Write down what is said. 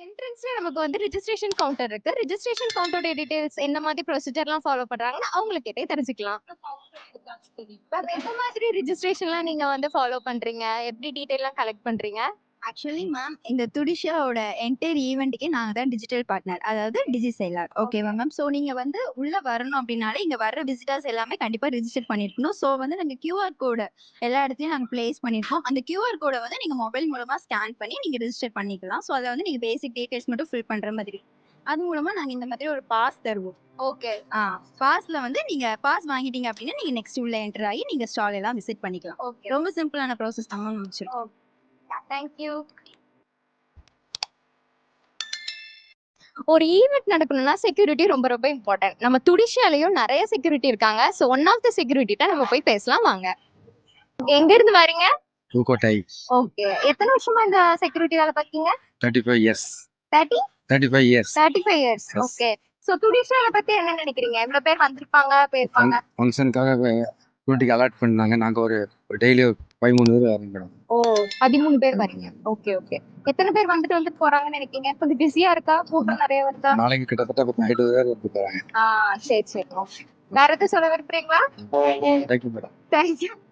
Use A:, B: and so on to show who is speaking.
A: என்ட்ரன்ஸ்ல நமக்கு வந்து ரிஜிஸ்ட்ரேஷன் கவுண்டர் இருக்கு. ரிஜிஸ்ட்ரேஷன் கவுண்டரோட டீடைல்ஸ் என்ன மாதிரி ப்ரொசீஜர்லாம் ஃபாலோ பண்றாங்கன்னு அவங்கள கேட்டே தெரிஞ்சுக்கலாம். மேம் எந்த மாதிரி ரிஜிஸ்ட்ரேஷன்லாம் நீங்க வந்து ஃபாலோ பண்றீங்க? எப்படி டீடைல்லாம் கலெக்ட் பண்றீங்க?
B: ஆக்சுவலி மேம் இந்த துடிஷாவோட என்டையர் ஈவெண்ட்டுக்கே நாங்க தான் டிஜிட்டல் பார்ட்னர், அதாவது டிஜிசெல்லார். ஓகேவா மேம்? ஸோ நீங்க வந்து உள்ள வரணும் அப்படின்னாலே இங்க வர்ற விசிட்டர்ஸ் எல்லாமே கண்டிப்பா ரிஜிஸ்டர் பண்ணிருக்கணும். ஸோ வந்து நாங்க கியூஆர் கோட எல்லா இடத்துலயும் நாங்க பிளேஸ் பண்ணிருக்கோம். அந்த கியூஆர் கோட வந்து நீங்க மொபைல் மூலமா ஸ்கேன் பண்ணி நீங்க ரிஜிஸ்டர் பண்ணிக்கலாம். ஸோ அதை வந்து நீங்க பேசிக் டீடைல்ஸ் மட்டும் ஃபில் பண்ற மாதிரி. அது மூலமா நாங்க இந்த மாதிரி ஒரு பாஸ் தருவோம்.
A: ஓகே.
B: பாஸ்ல வந்து நீங்க பாஸ் வாங்கிட்டீங்க அப்படின்னா நீங்க நெக்ஸ்ட் உள்ள என்டர் ஆகி நீங்க ஸ்டால் எல்லாம் விசிட் பண்ணிக்கலாம்.
A: ஓகே.
B: ரொம்ப சிம்பிளான ப்ராசஸ் தான் மேம் முடிச்சிருக்கோம்.
A: Thank you. ஒரு ஈவென்ட் நடக்கணும்னா செக்யூரிட்டி ரொம்ப ரொம்ப இம்பார்ட்டன்ட். நம்ம துடிஷாலயும் நிறைய செக்யூரிட்டி இருக்காங்க. சோ ஒன் ஆஃப் த செக்யூரிட்டிட்ட நம்ம போய் பேசலாம் வாங்க. எங்க இருந்து வரீங்க?
C: புதுக்கோட்டை.
A: ஓகே. எத்தனை வருஷமா இந்த செக்யூரிட்டி வேலை பாக்கீங்க?
C: 35 years.
A: 30?
C: 35 years.
A: 35 years.
C: Yes.
A: Okay. So துடிஷால பத்தி என்ன நினைக்கிறீங்க? இவ்வளவு பேர் வந்திருப்பாங்க, போயிருப்பாங்க.
C: ஃபங்க்ஷனுக்காக செக்யூரிட்டிக்கு அலாட் பண்ணாங்க. நாங்க ஒரு டெய்லி 13 பேர் வரீங்க மேடம்.
A: ஓ 13 பேர் வரீங்க. Okay okay. எத்தனை பேர் வந்துட்டு போறாங்கன்னு நினைக்கிறீங்க? கொஞ்சம் பிஸியா இருக்கா? கூட்டம் நிறைய வருதா?
C: நாளைக்கு கிட்டத்தட்ட 20 பேர் வந்து போறாங்க.
A: சரி சரி. வேற எதுவும் சொல்ல விரும்புறீங்களா?
C: Thank you madam.
A: தேங்க்யூ.